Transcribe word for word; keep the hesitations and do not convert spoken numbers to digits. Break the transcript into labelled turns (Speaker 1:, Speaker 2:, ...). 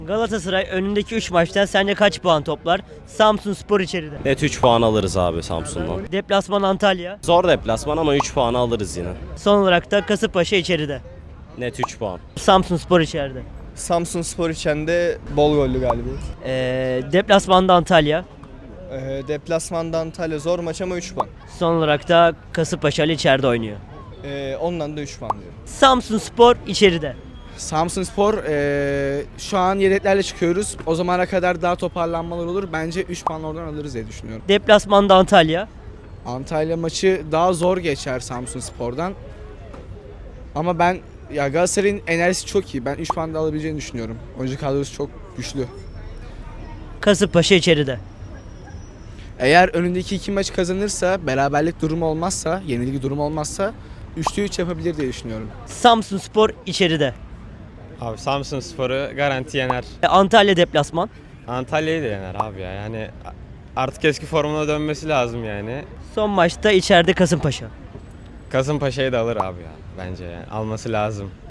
Speaker 1: Galatasaray önündeki üç maçtan sence kaç puan toplar? Samsunspor içeride.
Speaker 2: Net üç puan alırız abi Samsun'dan.
Speaker 1: Deplasman Antalya.
Speaker 2: Zor deplasman ama üç puan alırız yine.
Speaker 1: Son olarak da Kasımpaşa içeride.
Speaker 2: Net üç puan.
Speaker 1: Samsunspor içeride.
Speaker 3: Samsunspor içinde bol gollü galibiyet.
Speaker 1: Ee, deplasmanda Antalya.
Speaker 3: Ee, deplasmanda Antalya zor maç ama üç puan.
Speaker 1: Son olarak da Kasımpaşa ile içeride oynuyor.
Speaker 3: Ee, ondan da üç puan diyorum.
Speaker 1: Samsunspor içeride.
Speaker 4: Samsunspor eee şu an yedeklerle çıkıyoruz. O zamana kadar daha toparlanmalar olur. Bence üç puan oradan alırız diye düşünüyorum.
Speaker 1: Deplasmanda Antalya.
Speaker 4: Antalya maçı daha zor geçer Samsunspor'dan. Ama ben ya Galatasaray'ın enerjisi çok iyi. Ben üç puan da alabileceğini düşünüyorum. Oyuncu kadrosu çok güçlü.
Speaker 1: Kasımpaşa içeride.
Speaker 4: Eğer önündeki iki maç kazanırsa, beraberlik durumu olmazsa, yenilgi durumu olmazsa üçte üç yapabilir diye düşünüyorum.
Speaker 1: Samsunspor içeride.
Speaker 5: Abi Samsunspor'u garanti yener.
Speaker 1: E, Antalya deplasman.
Speaker 5: Antalya'yı da yener abi ya. Yani artık eski formuna dönmesi lazım yani.
Speaker 1: Son maçta içeride Kasımpaşa.
Speaker 5: Kasımpaşa'yı da alır abi ya bence yani. Alması lazım.